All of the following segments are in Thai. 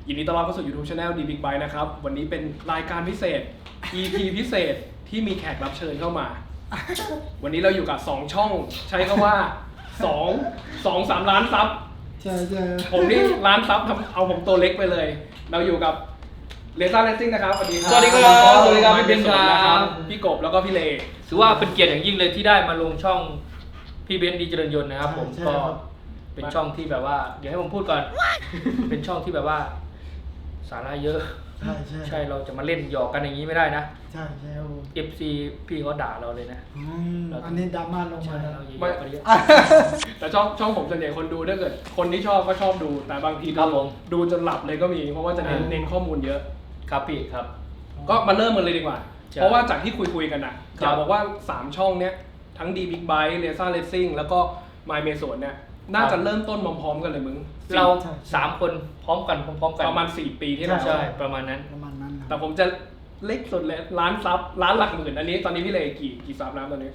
ยินดีต้อนรับเข้าสู่ YouTube Channel D Big Bike นะครับวันนี้เป็นรายการพิเศษ EP พิเศษที่มีแขกรับเชิญเข้ามา วันนี้เราอยู่กับ2ช่องใช้คำว่า2-3 ล้านซับใช่ใช่ผมนี่ล้านซับทำเอาผมตัวเล็กไปเลย เราอยู่กับเลซ่าเลสซิ่งนะครับสวัสดีครับสวัสดีครับสวัสดีครับพี่เบนซ์ครับพี่กบแล้วก็พี่เลถือว่าเป็นเกียรติอย่างยิ่งเลยที่ได้มาลงช่องพี่เบนซ์ดีเจริญยนต์นะครับผมใช่ก็ครับเป็นช่องที่แบบว่าเดี๋ยวให้ผมพูดก่อน เป็นช่องที่แบบว่า สาระเยอะใช่ใช่ใช่เราจะมาเล่นหยอกกันอย่างนี้ไม่ได้นะใช่ใช่ครับผม FC พี่เขาด่าเราเลยนะอันนี้ดราม่าลงใช่มาแล้วเราอย่าหยอกกันเยอะแต่ช่องผมส่วนใหญ่คนดูถ้าเกิดคนที่ชอบก็ชอบดูแต่บางทีครับผมดูจนหลับเลยก็มีเพราะว่าจะเน้นข้อมูลเยอะครับพี่ครับก็มาเริ่มกันเลยดีกว่าใช่เพราะว่าจากที่คุยกันนะคอรับยากบอกว่า 3 ช่องเนี้ยทั้ง D Big Bike Lesa Racing แล้วก็ My m a s o n เนี่ยน่าจะเริ่มต้นพร้อมๆกันเลยมึงเรา3 คนพร้อมกันพร้อมๆกันประมาณ 4 ปีที่แล้วใช่ประมาณนั้นประมาณนั้นคแต่รับผมจะเล็กสุดเลยล้านซับล้านหลักหมื่นอันนี้ตอนนี้พี่เลกี่ซับแล้วตอนนี้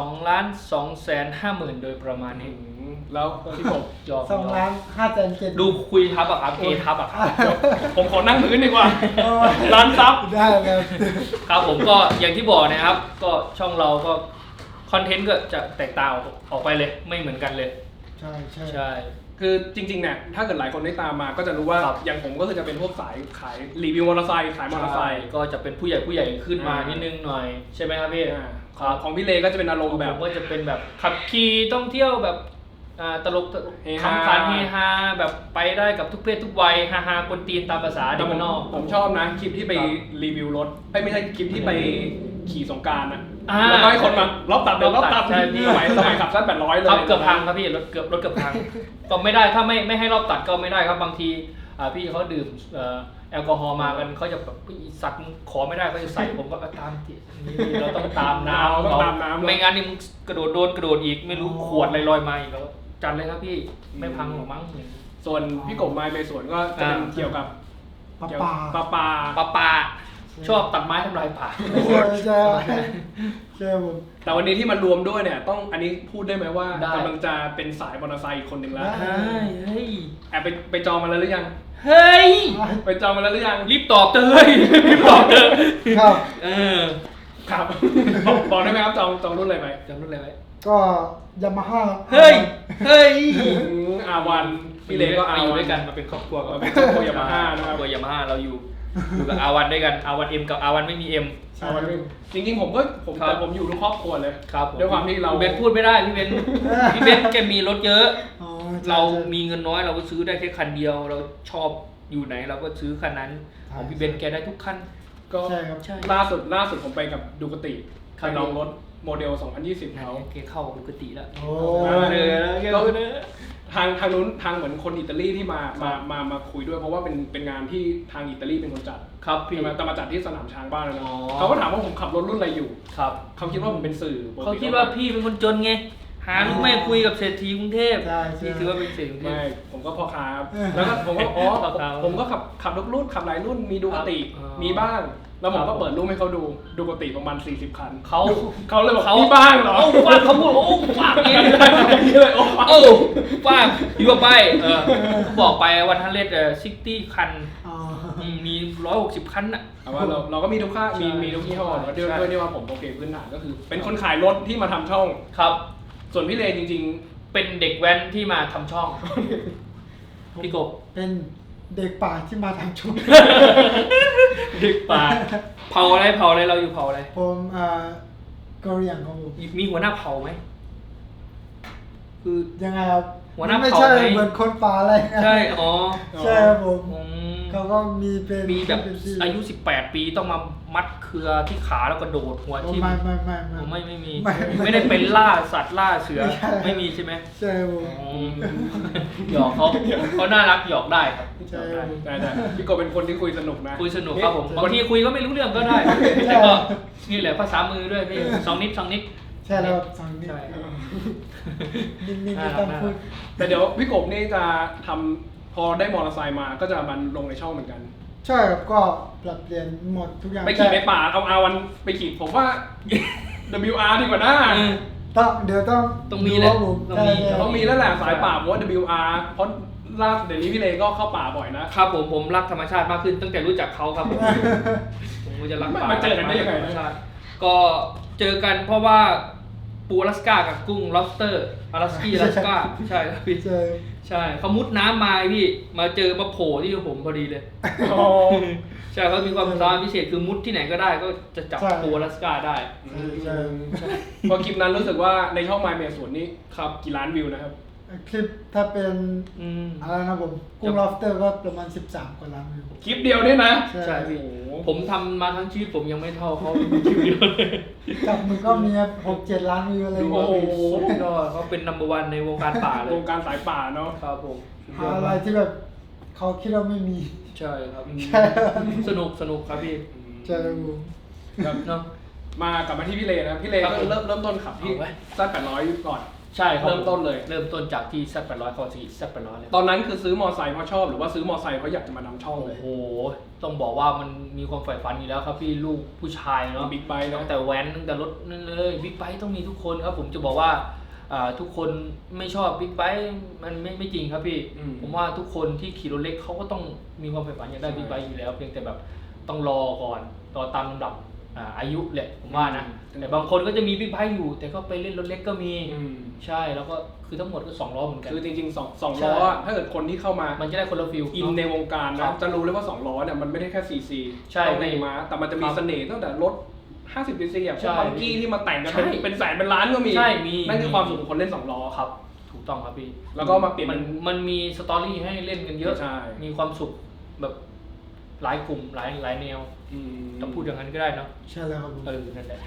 2,250,000โดยประมาณนี้แล้วพี่ผมหยอก 2,507,000 ดูคุยทับอะครับเอทับอะครับผมขอนั่งพื้นดีกว่าล้านซับได้ครับครับผมก็อย่างที่บอกนะครับ ก็ช่องเราก็คอนเทนต์ก็จะแตกต่างออกไปเลยไม่เหมือนกันเลยใช่ใช่ใช่คือจริงๆเนี่ยถ้าเกิดหลายคนได้ตามมาก็จะรู้ว่าครับอย่างผมก็คือจะเป็นพวกสายขายรีวิวมอเตอร์ไซค์ขายมอเตอร์ไซค์ก็จะเป็นผู้ใหญ่ขึ้นมานิดนึงหน่อยใช่ไหมครับพี่ของพี่เลก็จะเป็นอารมณ์แบแบบ บก็จะเป็นแบบขับขี่ท่องเที่ยวแบบตลกเฮฮาคำขันเฮฮาแบบไปได้กับทุกเพศทุกวัยฮาฮากวนตีนตามภาษาเด็กบ้านนอกผมชอบนะคลิปที่ไปครับรีวิวรถไม่ใช่คลิปที่ไปขี่สงกรารนะอ่าแล้วก็ให้คนมารอบตัดเดี๋ยวรอบตัดใช่พี่สมัยขับสั้น800เลยครับเกือบพังครับพี่รถเกือบพัง ก็ไม่ได้ถ้าไม่ให้รอบตัดก็ไม่ได้ครับบางทีพี่เขาดื่มแอลกอฮอล์มากันเขาจะแบบอีสัตว์มึงขอไม่ได้เขาจะใส่ผมก็ตามที่นี่เราต้องตามน้ำต้องตามน้ำไม่งั้นนี่มึงกระโดดอีกไม่รู้ขวดอะไรลอยมาอีกแล้วจัดเลยครับพี่ไม่พังหรอกมั้งส่วนพี่กบไม้ไปสวนก็จะเป็นเกี่ยวกับปลาเกี่ยวปลาปลาป่าชอบตัดไม้ทำลายป่าใช่ใช่ใช่ผมแต่วันนี้ที่มารวมด้วยเนี่ยต้องอันนี้พูดได้ไหมว่าได้กำลังจะเป็นสายมอเตอร์ไซค์อีกคนหนึ่งแล้วได้เฮ้ยแอบไปจองมาแล้วหรือยังเฮ้ยไปจองมาแล้วหรือยังรีบตอบเถอะเฮ้ยรีบตอบเถอะครับเออครับบอกได้ไหมครับจองรุ่นอะไรไปจำรุ่นอะไรไว้ก็ยามาฮ่าเฮ้ยอาวันพี่เลก็มาอาอยู่วันด้วยกันมาเป็นครอบครัวมาเป็นครอบครัวยามาฮ่านะครับครอบครัวยามาฮ่าเราอยู่กับอาวันด้วยกันอาวันเอ็มกับอาวันไม่มีเอ็มอาวันจริงๆผมแต่ผมอยู่ทุกครอบครัวเลยครับด้วยความที่เราพี่เบนพูดไม่ได้พี่เบนพี่เบนแกมีรถเยอะอ๋อใช่เราใช่มีเงินน้อยเราก็ซื้อได้แค่คันเดียวเราชอบอยู่ไหนเราก็ซื้อคันนั้นใช่ของพี่เบนแกได้ทุกคันก็ใช่ครับใช่ล่าสุดผมไปกับดูกติครัไปบลองรถโมเดล 2020 เขาแกเข้าปกติแล้วโอ้ก็ทางนู้นทางเหมือนคนอิตาลีที่มาคุยด้วยเพราะว่าเป็นงานที่ทางอิตาลีเป็นคนจัดครับพี่ใช่ไหมแต่มาจัดที่สนามช้างบ้านเลยนะอ๋อเขาก็ถามว่าผมขับรถรุ่นอะไรอยู่ครับเขาคิดว่าผมเป็นสื่อปกติเขาคิดว่าพี่เป็นคนจนไงหาลูกแม่คุยกับเศรษฐีกรุงเทพใช่ใช่พี่ถือว่าเป็นเศรษฐีกรุงเทไม่พผมก็พ่อค้าครับแล้วก็ผมก็อ๋อพ่อค้าผมก็ขับทุกรุ่นขับหลายรุ่นมีดูกติอ๋อมีบ้าง แล้วผมครัก็บเปิดรูปให้เขาดูกติประมาณ40 คันเขาเขาเลยบอกมีบ้างเหรอโอ้ฟาดเขาพูดโอ้ฟาดเองนี่เลยโอ้โอ้ฟาดอยู่กับไปบอกไปวันทันเลด60 คันอ๋อมี160 คันน่ะแต่ว่าเราก็มีทุกค่ามีทุกยี่ห้อแล้วด้วยที่ว่าผมโอเคพื้นฐานก็คือ เป็นคนขายรถที่มาทำช่องครับส่วนพี่เลจริงเป็นเด็กแว้นที่มาทำช่อง พี่กบเป็นเด็กป่าที่มาทำชุดเด็กป่าเผาอะไรเราอยู่เผาอะไรผมกะเหรี่ยงครับผมมีหัวหน้าเผาไหมคือยังไงครับหัวหน้าไม่เผ่าใช่ไหมเหมือนคนป่าอะไรนะใช่อ๋อใช่ครับผมอืมเขาก็มีเป็นมีแบบเป็นที่อายุ18 ปีต้องมามัดเครือที่ขาแล้วก็โดดหัวโอ้ทิ่ม ไม่มีไม่ไม่ได้เป็นล่าสัตว์ล่าเสือไม่ใช่ไม่มีใช่ไหมใช่ครับผมอืมหยอกเขาน่ารักหยอกได้ครับใช่หยอกได้แต่พี่โกเป็นคนที่คุยสนุกนะคุยสนุกครับผมบางทีคุยก็ไม่รู้เรื่องก็ได้ใช่แต่ก็นี่แหละภาษามือด้วยพี่สองนิดใช่แล้วสั่งนี่ใช่นิ่งๆน่าไม่รักต้องพูดแต่เดี๋ยวพี่กบนี่จะทำพอได้มอเตอร์ไซค์มาก็จะมันลงในช่องเหมือนกันใช่ครับก็ปรับเปลี่ยนหมดทุกอย่างไปขี่ในป่าเอาอาวันไปขี่ผมว่า WR ดีกว่านะอืมเดี๋ยวต้องต้องมีแหละดูว่าผมต้องมีใช่ต้องมีแล้วแหละสายป่าเพราะว่า WR เพราะล่าสุดเดี๋ยวนี้พี่เลก็เข้าป่าบ่อยนะครับผมรักธรรมชาติมากขึ้นตั้งแต่รู้จักเขาครับผมก็จะรักป่ามาเจอกันได้ยังไงธรรมนะชาติก็เจอกันเพราะว่าปูอลาสก้ากับกุ้ง lobster อลาสกี้อลาสก้าใช่ครับพี่ใช่ใช่เขามุดน้ำมาพี่มาเจอมาโผล่ที่ผมพอดีเลยอ๋อใช่เขามีความสามารถพิเศษคือมุดที่ไหนก็ได้ก็จะจับปูอลาสก้าได้ใช่พอคลิปนั้นรู้สึกว่าในช่อง My เมสวนนี่ครับกี่ล้านวิวนะครับคลิปถ้าเป็นอืมอะไรนะผมกุ้ง lobster ก็ประมาณ13 กว่าล้านวิวคลิปเดียวเนี่ยนะใช่พี่โอ้โหผมทำมาทั้งชีวิตผมยังไม่เท่าเขาคลิปเดียวเลยจับมือก็มี6-7 ล้านวิวอะไรอย่างโอ้เงี้ยโหสุดยอดเขาเป็นนัมเบอร์วันในวงการป่าเลวย งการสายป่าเนาะครับผมหาอะไรที่แบบเขาคิดว่าไม่มีใช่ครับใช่สนุกครับพี่ใช่ครับผมครับเนาะมากลับมาที่พี่เลนะพี่เลครับก็เริ่มต้นขับที่เอาไว้ซัด800ก่อนใช่ครับเริ่มต้นเลยเริ่มต้นจากที่ซัด800เขาที่ซัด800เลยตอนนั้นคือซื้อมอไซค์เพราะชอบหรือว่าซื้อมอไซค์เพราะอยากจะมานำช่องเลโอ้ยโหต้องบอกว่ามันมีความใฝ่ฝันอยู่แล้วครับพี่ลูกผู้ชายเนาะบิ๊กไบค์นะตั้งแต่แว้นตั้งแต่รถนั่นเลยบิ๊กไบค์ต้องมีทุกคนครับผมจะบอกว่าทุกคนไม่ชอบบิ๊กไบค์มันไม่จริงครับพี่ ผมว่าทุกคนที่ขี่รถเล็กเขาก็ต้องมีความใฝ่ฝันอยากได้บิ๊กไบค์อยู่แล้วเพียงแต่แบบต้องรอก่อนรอตามลำดับอายุแหละผมว่านะแต่บางคนก็จะมีบิ๊กไบค์อยู่ แต่ก็ไปเล่นรถเล็กก็มี ใช่แล้วก็คือทั้งหมดก็2ล้อเหมือนกันคือจริงๆสองใช่ล้ออะถ้าเกิดคนที่เข้ามามันจะได้คนละฟิลอินในวงการครันะบจะรู้เลยว่า2ล้อเนี่ยมันไม่ได้แค่ซีซีใช่ต้องในม้าแต่มันจะมีครับเสน่ห์ตั้งแต่รถ50ซีซีอ่ะพใช่วกบังกี้ที่มาแต่งกันใช่เป็นแสนเป็นล้านก็มีใช่มีนั่นคือความสุขของคนเล่น2ล้อครับถูกต้องครับพี่แล้วก็มาเปลี่ยนมันมีสตอรี่ให้เล่นกันเยอะใช่มีความสุขแบบหลายกลุ่มหลายแนวอืมจะพูดอย่างนั้นก็ได้เนาะใช่แล้วครับผมนั่นแหละ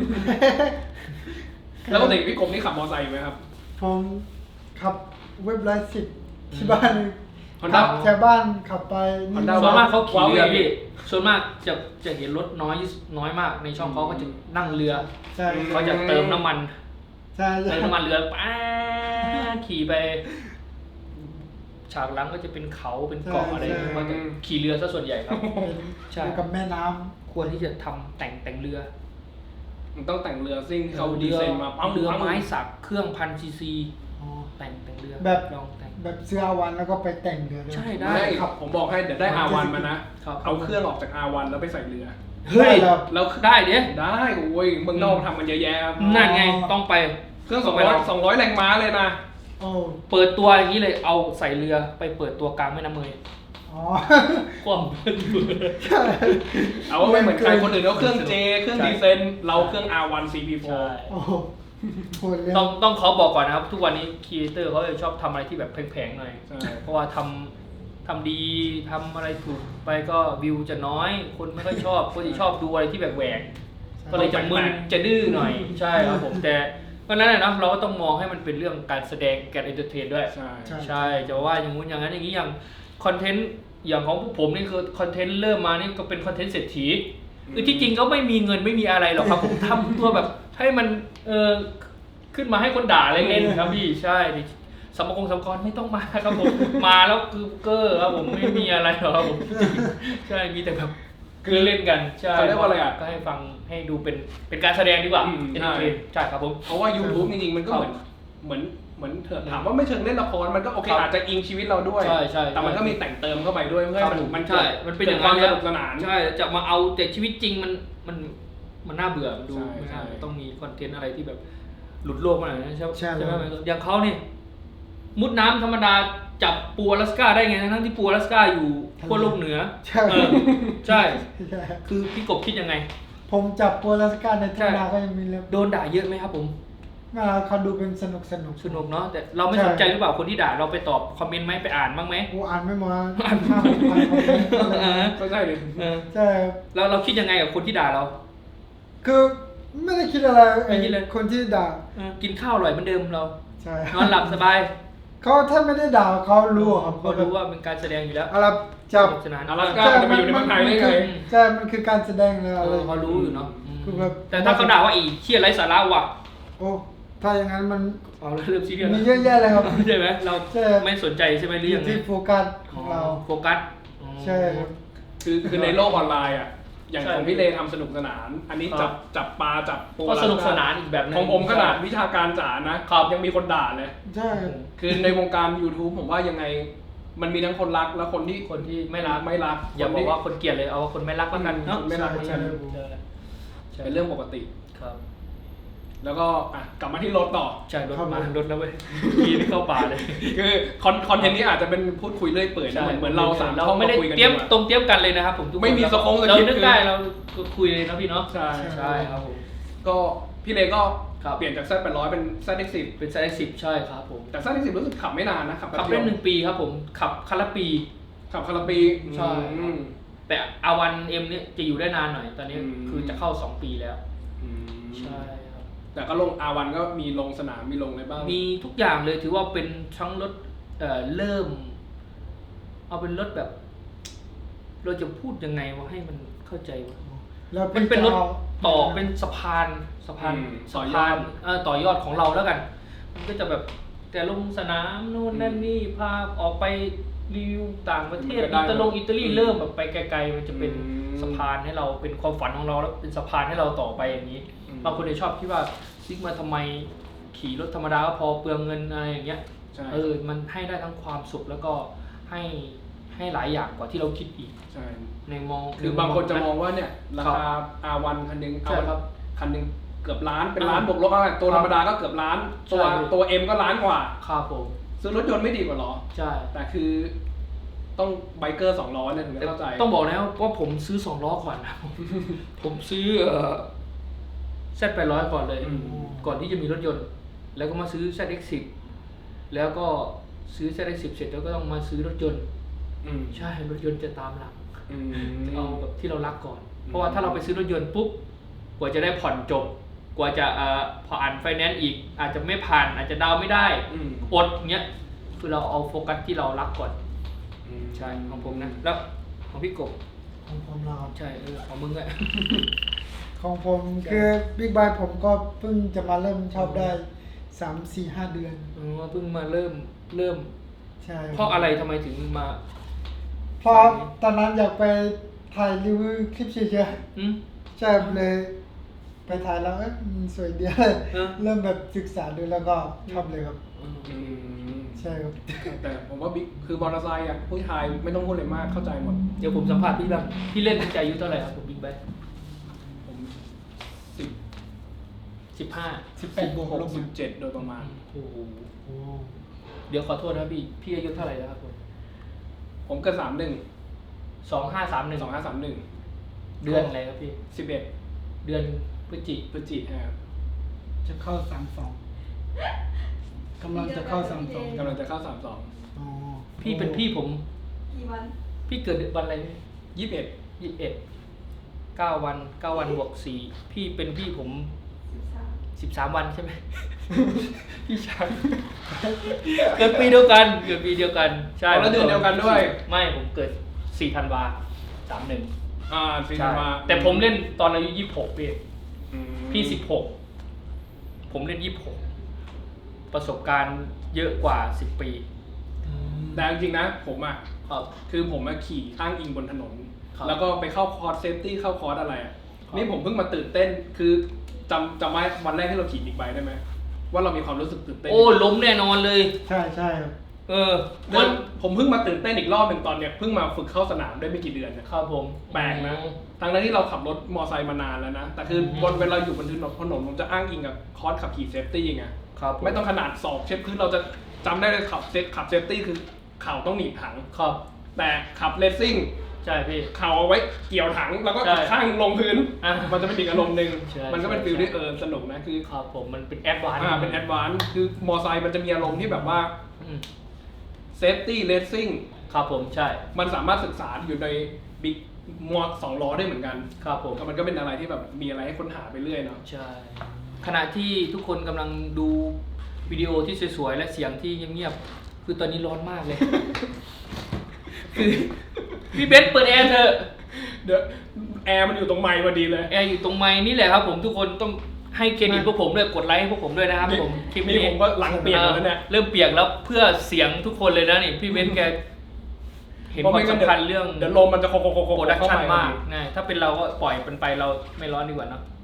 แล้วปกติพี่กรมนี่ขับมอเตอร์ไซค์อยู่ไหมครับผมขับเว็บไลฟ์10ที่บ้าน Honda แถวบ้านขับไปนี่ Honda ส่วนมากเขาขี่เรือว้าวพี่ส่วนมากจะเห็นรถน้อยมากในช่องเขาก็จะนั่งเรือใช่เขาจะเติมน้ำมันใช่เติมน้ำมันเรือป้าขี่ไป ฉากหลังก็จะเป็นเขาเป็นเกาะอะไรเขาจะขี่เรือซะส่วนใหญ่ครับ ใช่อยู่กับแม่น้ำควรที่จะทำแต่งเรือมันต้องแต่งเรือซิ่งที่เขาดีไซน์มาเรือไม้สักเครื่อง1,000 ซีซีอ๋อแต่งเรือแบบลองแต่งแบบซื้ออาวันแล้วก็ไปแต่งเรือด้วยใช่ได้ได้ครับผมบอกให้เดี๋ยวได้ R1 มานะครับเอาเครื่องออกจาก R1 แล้วไปใส่เรือเฮ้ยได้ครับแล้วได้เด้ได้โอ้ยเมืองนอกทำกันเยอะแยะครับนั่นไงต้องไปเครื่องต้ไปล 200แรงม้าเลยนะโอ้เปิดตัวอย่างนี้เลยเอาใส่เรือไปเปิดตัวกลางแม่น้ำเมยอ๋อคว่ำใช่เอาว่าไม่เหมือนใครคนอื่นเขาเครื่อง J เครื่องใช่ดีเซนเราเครื่อง R1 CP4 ใช่โอ้โหโหดเลยต้องขอบอกก่อนนะครับ ทุกวันนี้ครีเอเตอร์เขาจะชอบทำอะไรที่แบบแพงๆหน่อยใช่เพราะว่าทำดีทำอะไรถูกไปก็วิวจะน้อย คนไม่ค่อยชอบคนที่ชอบดูอะไรที่แบบแหวกก็เลยจะมึนจะดื้อหน่อย ใช่ครับผมแต่ก็นั่นแหละนะเราก็ต้องมองให้มันเป็นเรื่องการแสดงการเอนเตอร์เทนด้วยใช่ใช่จะว่าอย่างงู้นอย่างนั้นอย่างนี้อย่างคอนเทนต์อย่างของพวกผมนี่คือคอนเทนต์เริ่มมานี่ก็เป็นคอนเทนต์เศรษฐีคือที่จริงก็ไม่มีเงินไม่มีอะไรหรอกครับ ผมทำตัวแบบให้มันขึ้นมาให้คนด่าเล่นๆครับพี่ใช่สมกรไม่ต้องมาครับผม มาแล้วคือเกอร์ครับผมไม่มีอะไรหรอกครับผมใช่มีแต่แบบคือเล่นกันใช่เขาเรียกว่าอะไรอ่ะก็ให้ฟังให้ดูเป็นการแสดงดีกว่าอืมเอนเตอร์เทนใช่ครับผมเพราะว่า YouTube จริงๆมันก็ครับเหมือนเถอะถามว่าไม่เชิงเล่นละครมันก็โอเคครับอาจจะอิงชีวิตเราด้วยใช่ใช่แต่มันก็มีแต่งเติมเข้าไปด้วยเพื่อให้มันใช่ มันเป็นอย่างควานั้มนสนุกสนานใช่ จะมาเอาแต่ชีวิตจริงมันน่าเบื่อมันดูใช่ไม่ใช่น่าต้องมีคอนเทนต์อะไรที่แบบหลุดโลกมาหน่อยนะใช่ใช่ใช่ไหมอย่างเขาเนี่ยมุดน้ำธรรมดาจับปูอลาสก้าได้ไงทั้งที่ปูอลาสก้าอยู่ขั้วโลกเหนือใช่เออใช่ใช่คือพี่กบคิดยังไงผมจับโปรลัสการในทุ่งนาก็ยังมีเลยโดนด่าเยอะไหมครับผมมาเขาดูเป็นสนุกสนุกเนาะแต่เราไม่สนใจหรือเปล่าคนที่ด่าเราไปตอบคอมเมนต์ไหมไปอ่านบ้างไหมกูอ่านไม่หมดอ่าน 5,000 คอมเมนต์ก็ใช่เลยเออใช่ครับเราคิดยังไงกับคนที่ด่าเราคือไม่ได้คิดอะไรไม่คิดเลยคนที่ด่ากินข้าวอร่อยเหมือนเดิมเราใช่นอนหลับสบายเขาถ้าไม่ได้ด่าเขารู้ครับเขารู้ว่าเป็นการแสดงอยู่แล้วอะไรจับสนุกสนานอลาสก้าจะมาอยู่ในเมืองไทยได้ไงใช่มันคือการแสดงเลยอะไรเขารู้อยู่เนาะคือแบบแต่ถ้าเขาด่าว่าอีเชี่ยไร้สาระว่ะโอ้ถ้าอย่างนั้นมันเอาแล้วเริ่มซีเรียสมีเยอะแยะเลยครับใช่ไหมเราใช่ไม่สนใจใช่ไหมหรือยังไงที่โฟกัสของเราโฟกัสใช่ครับคือในโลกออนไลน์อ่ะอย่างใช่ของพี่เลทำสนุกสนาน อันนี้ครับจับปลาจับปูก็สนุกสนานอีกแบบนึงของผมขนาดวิชาการจ๋านะครับ ยังมีคนด่าเลยใช่ครับคือในวงการ YouTube ผมว่ายังไงมันมีทั้งคนรักและคนที่คนที่ไม่รักไม่รักอย่าคนบอที่กว่าคนเกลียดเลยเอาว่าคนไม่รักแล้วกันเนาะคนไม่รักใช่ใช่เป็นเรื่องปกติครับแล้วก็กลับมาที่รถต่อใช่รถครับมาผมรถแล้วเว้ยกีนี่เข้าป่าเลยคือคอนเทนต์นี้อาจจะเป็นพูดคุยเรื่อยเปื่อยนะเหมือนเราสามเราช่องไม่ได้คุยกันเตรียมดีกว่าตรงเตรียมกันเลยนะครับผมทุกคนไม่มีสคงสเราคริปต์นึกได้เราก็คุยเลยนะพี่เนาะใช่ใช่ครับผมก็พี่เลก็ครับเปลี่ยนจาก Z800 เป็น ZX10 เป็นไซส์10ใช่ครับผมแต่ ZX10 รู้สึกขับไม่นานนะขับขับได้1 ปีครับผมขับคันละปีขับคาราปีใช่อืมแต่อาวันเอ็มเนี่ยจะอยู่ได้นานหน่อย ตอนนี้อืมคือจะเข้า 2 ปีแล้วอืมใช่ครับแต่ก็ลง R1 ก็มีลงสนามมีลงอะไรบ้างมีทุกอย่างเลยถือว่าเป็นทั้งรถเริ่ม เอาเป็นรถแบบ เราจะพูดยังไงว่าให้มันเข้าใจว่าแล้วมันเป็นรถพี่จะอาต่อเป็นสะพานสะพานต่อยอดของเราแล้วกัน มันก็จะแบบแต่ลงสนามนู่นนั่นนี่พาออกไปรีวิวต่างประเทศอิตาลีเริ่มแบบไปไกลๆมันจะเป็นสะพานให้เราเป็นความฝันของเราแล้วเป็นสะพานให้เราต่อไปอย่างนี้บางคนจะชอบคิดว่าซิกมาทำไมขี่รถธรรมดาก็พอเปลืองเงินอะไรอย่างเงี้ยใช่มันให้ได้ทั้งความสุขแล้วก็ให้หลายอย่างกว่าที่เราคิดอีกใช่ในมองคือบางคนจะมองว่าเนี่ยราคา R1 คันหนึงใช่ครับคันหนึงเกือบล้านเป็นล้านบวกลบอะไรตัวธรรมดาก็เกือบล้าน ตัวใช่ตัว M ก็ล้านกว่าครับผมซื้อรถยนต์ไม่ดีกว่าหรอใช่แต่คือต้องไบเกอร์2ล้อเนี่ยถึงจะเข้าใจต้องบอกแล้วว่าผมซื้อ2 ล้อก่อนนะ ผมซื้อZ800 ก่อนเลยอืมก่อนที่จะมีรถยนต์ แล้วก็มาซื้อ ZX10 แล้วก็ซื้อ ZX10 เสร็จแล้วก็ต้องมาซื้อรถยนต์อืมใช่รถยนต์จะตามหลังอืมเอาแบบที่เรารักก่อน เพราะว่าถ้าเราไปซื้อรถยนต์ปุ๊บกว่าจะได้ผ่อนจบ กว่าจะผ่านไฟแนนซ์อีก อาจจะไม่ผ่านอาจจะดาวน์ไม่ได้อืมอดเงี้ยคือเราเอาโฟกัสที่เรารักก่อนอืมใช่ของผมนะ แล้วของพี่กบของผมนะครับใช่ของมึงอะของผมคือบิ๊กไบค์ผมก็เพิ่งจะมาเริ่มชอบได้ 3-4-5 เดือนเพิ่งมาเริ่มใช่เพราะอะไรทำไมถึงมาเพราะตอนนั้นอยากไปถ่ายรีวิวคลิปเฉยอืมๆใช่เลย ไปถ่ายแล้วมันสวยดีเลยเออเริ่มแบบศึกษาดูแล้วก็ชอบเลยครับอืมใช่ครับแต่ผมว่าบิ๊กคือมอเตอร์ไซค์อ่ะผู้ชายไม่ต้องพูดอะไรมากเข้าใจหมดเดี๋ยวผมสัมภาษณ์พี่บ้างพี่เล่นตั้งแต่อายุเท่าไหร่ครับผมบิ๊กไบค์ผม 15 18 บวกลบ 17โดยประมาณโอ้โหโอ้เดี๋ยวขอโทษนะพี่อายุเท่าไหร่แล้วครับผมผมเกิด31 2531 2531 เดือนอะไรครับพี่ 11 เดือนพฤศจิพฤศจิกายนจะเข้า32กำลังจะเข้า32 กำลังจะเข้าอ๋อพี่เป็นพี่ผมกี่วันพี่เกิดวันอะไรพี่ 32 21 9 วันบวก4พี่เป็นพี่ผม 13 13 วันใช่ไหม พี่ชายเกิดปีเดียวกันใช่แล้วเดือนเดียวกันด้วยไม่ผมเกิด4 ธันวา31 สิงใช่หาแต่ผมเล่นตอนอายุ26พี่อืมพี่16ผมเล่น26ประสบการณ์เยอะกว่า10 ปีแต่จริงๆนะผมอ่ะครับคือผมมาขี่อ้างอิงบนถนนครับแล้วก็ไปเข้าคอร์สเซฟตี้เข้าคอร์สอะไรอ่ะครับนี่ผมเพิ่งมาตื่นเต้นคือจำไว้วันแรกที่เราขี่บิ๊กไบค์ได้ไหมว่าเรามีความรู้สึกตื่นเต้นโอ้ล้มแน่นอนเลยใช่ใช่ครับแล้วผมเพิ่งมาตื่นเต้นอีกรอบหนึ่งตอนเนี้ยเพิ่งมาฝึกเข้าสนามได้ไม่กี่เดือนเนี่ยครับผมแปลกนะทั้งนั้นที่เราขับรถมอไซค์มานานแล้วนะแต่คือเวลาอยู่บนถนนผมจะอ้างอิงกับคอร์สขับขี่เซฟตี้ไงครับผไม่ต้องขนาดศอกเช็ดพื้นเราจะจำได้เลยขับเซฟตี้คือเข่าต้องหนีบถังครับแต่ขับเลสซิ่งใช่พี่เข่าเอาไว้เกี่ยวถังแล้วก็ใช่ข้างลงพื้นอ่ะมันจะเป็นอีกอารมณ์หนึ่งใช่มันก็เป็นใช่ฟิลที่ใช่สนุกนะคือครับผมมันเป็นแอดวานซ์เป็นแอดวานซ์คือมอไซค์มันจะมีอารมณ์ที่แบบว่าอืมเซฟตี้เลสซิ่งครับผมใช่มันสามารถศึกษาอยู่ในบิ๊กมอ2 ล้อได้เหมือนกันครับผมก็มันก็เป็นอะไรที่แบบมีอะไรให้ค้นหาไปเรื่อยเนาะใช่ ขณะที่ทุกคนกำลังดูวิดีโอที่สวยๆและเสียงที่เงียบๆคือตอนนี้ร้อนมากเลย คือพี่เบนซ์เปิดแอร์เถอะเดี๋ยวแอร์มันอยู่ตรงไมค์พอดีเลยแอร์อยู่ตรงไม้นี่แหละครับผมทุกคนต้องให้เครดิตพวกผมด้วยกดไลค์ให้พวกผมด้วยนะครับผมคลิปนี่นี้ผมก็หลังเปลี่ยนหมดแล้วเนี่ยเริ่มเปียกแล้วเพื่อเสียงทุกคนเลยนะนี่พี่เบนซ์แกเห็นความสำคัญเรื่องเดี๋ยวลมมันจะโคโปรดักเข้าชั่นไปมากนะถ้าเป็นเราก็ปล่อยเป็นไปเราไม่ร้อนดีกว่าเนอะ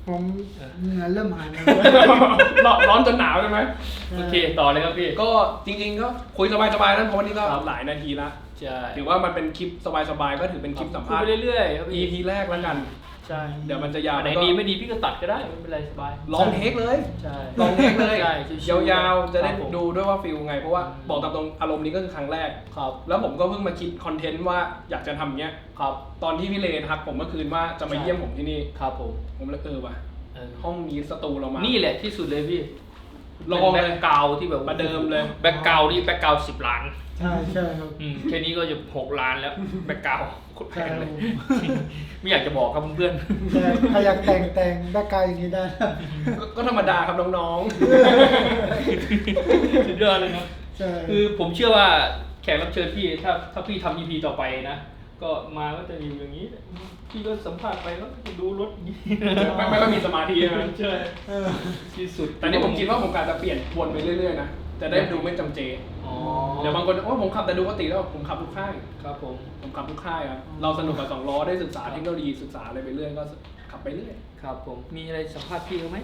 ผมเหงื่อเริ่มหายแล้วร้อนจนหนาวใช่ไหมโอเคต่อเลยครับพี่ก็จริงๆก็คุยสบายๆนะเพราะวันนี้ก็ครับหลายนาทีละใช่ถือว่ามันเป็นคลิปสบายๆก็ถือเป็นคลิปสัมคุยภาษไปณ์เรื่อยๆครับพี่ EP แรกแล้วกันใช่เดี๋ยวมันจะยาวอันไหนแล้วก็ดีไม่ดีพี่ก็ตัดก็ได้ไม่เป็นไรสบายลองเทคเลยใช่ลองเทคเลยใช่ชิวๆยาวๆจะได้ครับผมดูด้วยว่าฟิลไง เพราะว่าอืมบอกตามตรงอารมณ์นี้ก็คือครั้งแรกครับแล้วผมก็เพิ่งมาคิดคอนเทนต์ว่าอยากจะทำเนี้ยครับตอนที่พี่เลทักผมเมื่อคืนว่าจะมาใช่เยี่ยมผมที่นี่ครับผมผมเลยว่ะเออห้องนี้สตูเรามานี่แหละที่สุดเลยพี่ลองเลยแบ็คกราวด์ที่แบบประเดิมเลยแบ็คกราวด์นี่แบ็คกราวด์10 ล้านใช่ใช่ครับแค่นี้ก็จะ6 ล้านแล้วแบ็คกราวด์โคตรแพงเลยใช่ไม่อยากจะบอกครับเพื่อนแต่ใครอยากแต่งแบ็คกราวด์อย่างนี้ได้นะก็ธรรมดาครับน้องๆสุดยอดเลยนะใช่คือผมเชื่อว่าแขกรับเชิญพี่ถ้าพี่ทำ EP ต่อไปนะ ก็มาก็จะอยู่อย่างนี้ พี่ก็สัมภาษณ์ไปแล้วก็จะดูรถอย่างนี้ๆไม่ค่อยมีสมาธินะใช่เออที่สุดแต่นี่ผมคิดว่าผมการจะเปลี่ยนวนไปเรื่อยๆนะจะได้ดูไม่จำเจอ๋อเดี๋ยวบางคนว่าผมขับแต่ดูปกติแล้วผมขับทุกค่ายครับผมผมขับทุกค่ายครับเราสนุกกับสองล้อได้ศึกษาเทคโนโลยีศึกษาอะไรไปเรื่อยก็ขับไปเรื่อยครับผมมีอะไรสัมภาษณ์พี่เขาไหม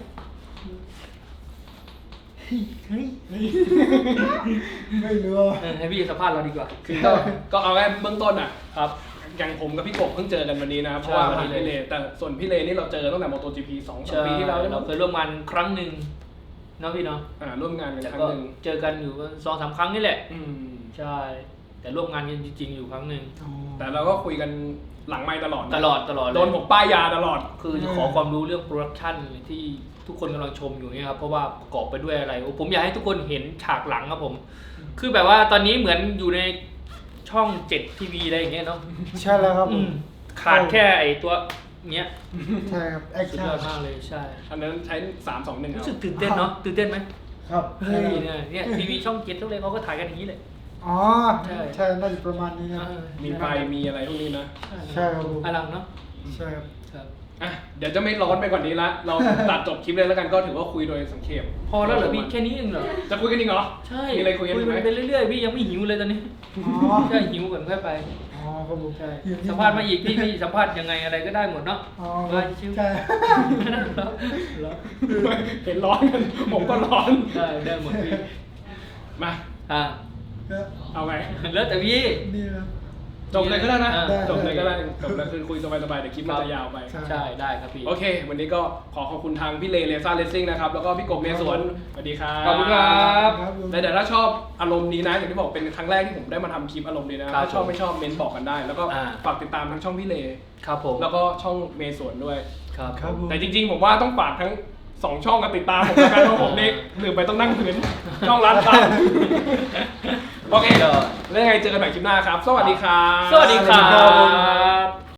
เฮ้ยไม่รู้ว่าให้พี่สัมภาษณ์เราดีกว่าคือก็เอาแค่เบื้องต้นอ่ะครับอย่างผมกับพี่กบเพิ่งเจอกันวันนี้นะครับเพใช่ราะว่าวันนี้เลยพี่เลแต่ส่วนพี่เลนี่เราเจอตั้งแต่ MotoGP 2-3 ปีที่แล้วเราเคยร่วมงานครั้งหนึ่งเนาะพี่เนาะร่วมงานกันแต่ครั้ก็งหนึ่งเจอกันอยู่2-3 ครั้งนี่แหละอืมใช่ แต่ร่วมงานกันจริงๆอยู่ครั้งหนึ่งแต่เราก็คุยกันหลังไมค์ตลอดนะตลอดเลยโดนผมป้ายยาตลอดคือจะขอความรู้เรื่องโปรดักชันที่ทุกคนกำลังชมอยู่เนี่ยครับเพราะว่าประกอบไปด้วยอะไรโอ้ผมอยากให้ทุกคนเห็นฉากหลังครับผม คือแบบว่าตอนนี้เหมือนอยู่ในช่อง7 ทีวีอะไรอย่างเงี้ยเนาะใช่แล้วครับผมขาดแค่ไอตัวเนี้ยใช่ครับแอคสุดชั่ยอดมากเลยใช่อันนั้นใช้ 3-2-1 รู้สึกตื่นเต้นเนาะตื่นเต้นไหมครับเฮ้ยเนี่ยทีวีช่อง7ทุกเลยเขาก็ถ่ายกันอย่างนี้เลยอ๋อใช่ใช่น่าจะประมาณนี้นะมีไฟมีอะไรพวกนี้นะใช่ครับผมอลังเนาะใช่ครับครับอ่ะเดี๋ยวจะไม่ร้อนไปกว่านี้ละเราตัดจบคลิปเลยแล้วกันก็ถือว่าคุยโดยสังเขปพอแล้วเหรอพี่แค่นี้เองเหรอจะคุยกันอีกเหรอใช่มีอะไรคุยกันอีกไหมไปเรื่อยๆพี่ยังไม่หิวเลยตอนนี้อ๋อใช่หิวก่อนค่อยไปอ๋อครับผมใช่อยู่ที่สัมภาษณ์มาอีกพี่สัมภาษณ์ยังไงอะไรก็ได้หมดเนาะอ๋อได้ชิวใช่แล้วเห็นร้อนกันผมก็ร้อนได้หมดพี่มาอ่าก็เอาไงแล้วแต่พี่นี่นะจบเลยก็ได้นะได้จบเลยก็ได้จบเลยคือคุยสบายๆเดี๋ยวคลิปมันจะยาวไปใช่ใช่ได้ครับพี่โอเค วันนี้ก็ขอขอบคุณทางพี่เลเลซ่าเลสซิ่งนะครับ แล้วก็พี่กบเมสวนสวัสดีครับขอบคุณครับครับผมและเดี๋ยวถ้าชอบอารมณ์นี้นะ อย่างที่บอกเป็นครั้งแรกที่ผมได้มาทำคลิปอารมณ์นี้นะครัถ้าบชอบไม่ชอบเมนบอกกันได้ แล้วก็อ่าฝากติดตามทั้งช่องพี่เลครับผมแล้วก็ช่องเมสวนด้วยครับครับผมแต่จริงๆ ผมว่าต้องฝากทั้ง2ช่องกันติดตามผมนะครับเพราะผมนี่ลืมไปต้องนั่งพื้นช่องร้านตามโอเคแล้วยังไงเจอกันใหม่คลิปหน้าครับ สวัสดีครับสวัสดีครับ